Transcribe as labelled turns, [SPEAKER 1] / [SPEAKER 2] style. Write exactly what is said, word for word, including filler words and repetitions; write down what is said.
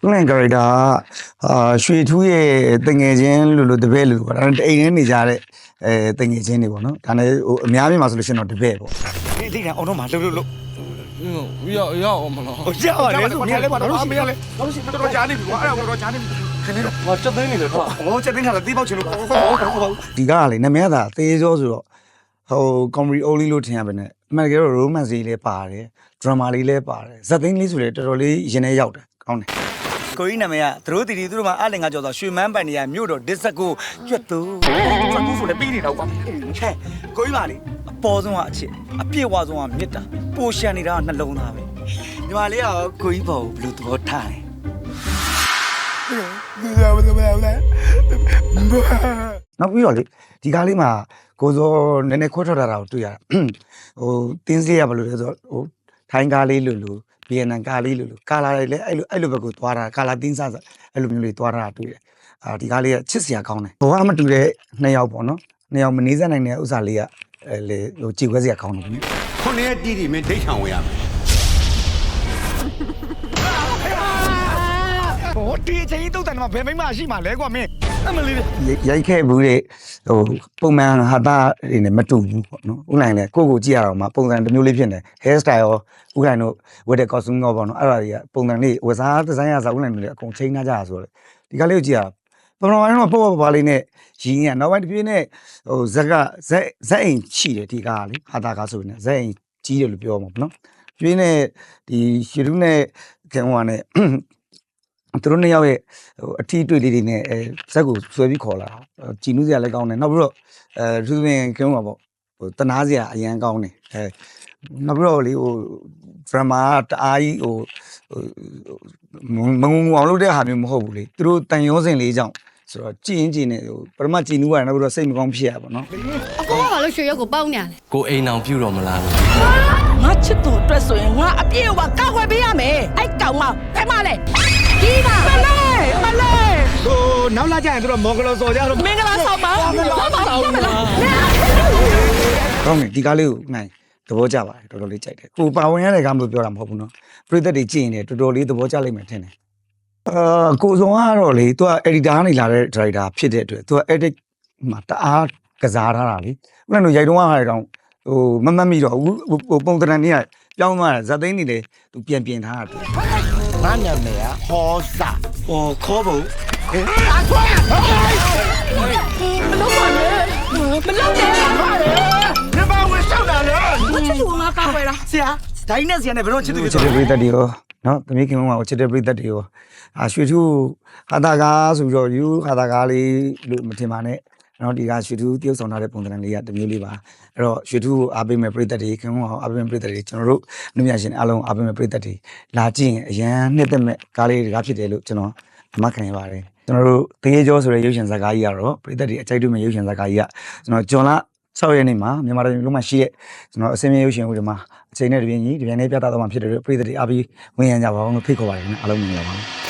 [SPEAKER 1] ငယ်ကြတာအာရွှေထူးရဲ့တငယ်ချင်းလို့လို့တပည့်လို့ပေါ့ဒါအိမ်ထဲနေကြတဲ့အဲတငယ်ချင်းတွေပေါ့နော်ဒါနဲ့ဟိုအများကြီးမှာဆိုလို့ရှိရင်တော့တပည့်ပေါ့ဒီဒီကအောင်တော့မလှုပ်လှုပ်လှုပ်
[SPEAKER 2] 要要我们了。
[SPEAKER 1] ဟိုရပါတယ်ဆိုမြင်လဲပါတော့မရလဲတော့ရှိတော်တော်ကြားနေပြီကွာအဲ့ဒါတော့ကြားနေပြီခင်းနေတော့
[SPEAKER 2] 我这等你了，是吧？
[SPEAKER 1] ဟိုချက်သိန်းကလည်းတီးပေါက်ချင်လို့ဒီကလေနမရတာသေရောဆိုတော့ဟိုကွန်မရီအိုလီလို့ထင်ရပါနဲ့အမှန်တကယ်တော့ romance လေးလည်းပါတယ် drama လေးလည်းပါတယ်ဇက်သိန်းလေးဆိုလည်းတော်တော်လေးရင်ထဲရောက်တယ်ကောင်းတယ်ကိုကြီးနာမည်ကသူတို့တီတီသူတို့မှာအလင်ကကြော်ဆိုရွှေမန်းပန်နေရမြို့တော်ဒစ်စကိုကျွတ်သူကျွတ်သူဆိုလည်းပြီးနေတော့ကွာဟဲ့ကိုကြီးပါလေအပေါ်ဆုံးကအချစ်အပြည့်ဝဆုံးကမြစ်တာပိုရှန်နေတာကနှလုံးသားပဲညီမလေးကကိုကြီးပေါ်ဘယ်လိုသဘောထားလဲနောက်ပြီးတော့လေဒီကားလေးမှာကိုစောနည်းနည်းခွဲထွက်လာတာကိုတွေ့ရတာဟိုတင်းစေးရဘယ်လိုလဲဆိုတော့ဟိုထိုင်းကားလေးလိုလိုဗီယက်နမ်ကားလေးလိုလိုကာလာလေးလည်းအဲ့လိုအဲ့လိုဘက်ကိုသွားတာကာလာတင်းစားအဲ့လိုမျိုးလေးသွားတာတွေ့တယ်အာဒီကားလေးကချစ်စရာကောင်းတယ်ဘောကမတူတဲ့နှစ်ယောက်ပေါ့နော်နှစ်ယောက်မနေစက်နိုင်တဲ့ဥစ္စာလေးကအဲလေဟိုကြည်ခွဲစရာကောင်းတယ်ခင်ဗျ
[SPEAKER 3] ခုနှစ်ရက်တီးတီမင်းဒိတ်ဆောင်ဝင်ရမယ်
[SPEAKER 1] ဟိုဒီအချိန်တုတ်တယ်မှာဘယ်မိမရှိမှာလဲကွာမင်းအမလေးရိုက်ခဲ့ဘူးလေဟိုပုံမှန်ဟာတာတွေနဲ့မတူဘူးပေါ့နော်ဥလိုင်းလည်းကိုကိုကြည့်ရတော့မှပုံစံတစ်မျိုးလေးဖြစ်နေ hair style ရောဥလိုင်းတို့ဝတ်တဲ့ costume ရောပေါ့နော်အဲ့ဒါတွေကပုံစံလေးဝစားဒီဇိုင်းရစားဥလိုင်းတွေလည်းအကုန်ချိန်ထားကြတာဆိုတော့ဒီကလေးကိုကြည့်ရပထမပိုင်းတော့ပေါ့ပေါ့ပါလေးနဲ့ရင်းရနောက်ပိုင်းတစ်ပြေးနဲ့ဟိုဇက်ကဇက်ဇက်အိမ်ချီတယ်ဒီကားလေဟာတာကားဆိုနေဇက်အိမ်ကြီးတယ်လို့ပြောမှာပေါ့နော်ပြေးနဲ့ဒီရှီရုနဲ့ခင်ဟိုကနဲ့သူတို့နှစ်ယောက်ရဲ့ဟိုအထီးတွေ့လေးတွေနဲ့အဲဇက်ကိုဆွဲပြီးခေါ်လာကြည်နူးစရာလည်းကောင်းတယ်နောက်ပြီးတော့အဲသူပင်ကင်းမှာပေါ့ဟိုတနာစရာအရန်ကောင်းတယ်အဲနောက်ပြီးတော့လေဟိုဒရမာတအားကြီးဟိုမငုံငုံအောင်လုပ်တဲ့ဟာမျိုးမဟုတ်ဘူးလေသူတို့တန်ရုံးစင်လေးကြောင့်ဆိုတော့ကြည်ရင်ကြည်နေဟိုပထမကြည်နူးရတယ်နောက်ပြီးတော့စိတ်မကောင်းဖြစ်ရပါတော့
[SPEAKER 4] အကောကဘာလို့ရွှေရုပ်ကိုပေါင်းနေရလဲ
[SPEAKER 2] ကိုအိမ်အောင်ပြုတော့မလား
[SPEAKER 5] ငါချစ်သူအတွက်ဆိုရင်ငါအပြည့်အဝကောက်ွယ်ပေးရမယ်အဲ့ကောင်မဘယ်မှလဲဒီမှာမလဲမလဲ
[SPEAKER 1] ဟိုနောက်လာကြရင်သူတို့မော်ဂလောစော်ကြတော့
[SPEAKER 5] မင်္ဂလာဆောင်ပါဆောင်းပါဆောင်းပါ
[SPEAKER 1] ကောင်းတယ်ဒီကားလေးကိုနိုင်သဘောကျပါတယ်တော်တော်လေးကြိုက်တယ်ကိုပါဝင်ရတဲ့ကားမလို့ပြောတာမဟုတ်ဘူးနော်ပရိသတ်တွေကြည့်ရင်လည်းတော်တော်လေးသဘောကျလိမ့်မယ်ထင်တယ်အာကိုစုံကတော့လေသူက editor ကနေလာတဲ့ director ဖြစ်တဲ့အတွက်သူက edit မှာတအားကစားထားတာလေဥပမာရိုက်တုံးကဟာတောင်ဟိုမမတ်မိတော့ဟိုပုံတရံနေကပြောင်းသွားတာဇက်သိန်းနေလေသူပြန်ပြင်ထားတာငါညနေကဟောစာဟောခေါ်ဖို့အခွင့်
[SPEAKER 5] မလုပ်ပါနဲ့မလုပ်နဲ့
[SPEAKER 1] ညမဝင်ရှောက်တာလေ
[SPEAKER 5] ချစ်သူငါကောက်ွယ်လား
[SPEAKER 1] ဆရာဒိုင်းနဲ့ဆရာနဲ့ဘယ်တော့ချစ်သူချစ်တဲ့ပရိသတ်တွေရောနော်သမီးခင်မောင်ကချစ်တဲ့ပရိသတ်တွေရောအာရွှေထူးဟာတာကားဆိုပြီးတော့ယူဟာတာကားလေးလို့မထင်ပါနဲ့နော်ဒီကရွှေထူးတရုပ်ဆောင်ထားတဲ့ပုံစံလေးကတစ်မျိုးလေးပါအဲ့တော့ရွှေထူးကိုအားပေးမဲ့ပရိသတ်တွေခင်မောင်အားပေးမဲ့ပရိသတ်တွေကျွန်တော်တို့လူမြရှင်အားလုံးအားပေးမဲ့ပရိသတ်တွေလာကြည့်ရင်အရန်နှစ်သက်မဲ့ကားလေးတွေကဖြစ်တယ်လို့ကျွန်တော်အမှတ်ခံရပါတယ်ကျွန်တော်တို့တရေကျော်ဆိုတဲ့ရုပ်ရှင်ဇာတ်ကားကြီးကတော့ပရိသတ်တွေအကြိုက်တွေ့မဲ့ရုပ်ရှင်ဇာတ်ကားကြီးကကျွန်တော်ဂျွန်လာ၆ရက်နေ့မှာမြန်မာတိုင်းလုံးမှာရှိရဲ့ကျွန်တော်အစင်းမြေရုပ်ရှင်ဦးတွေမှာအချိန်နဲ့တပြင်းကြီးတပြင်းနဲ့ပြသတော့မှဖြစ်တယ်လို့ပရိသတ်တွေအားပြီးဝင်ရကြပါအောင်လို့ဖိတ်ခေါ်ပါတယ်ခင်ဗျအားလုံးမြင်ကြပါဦး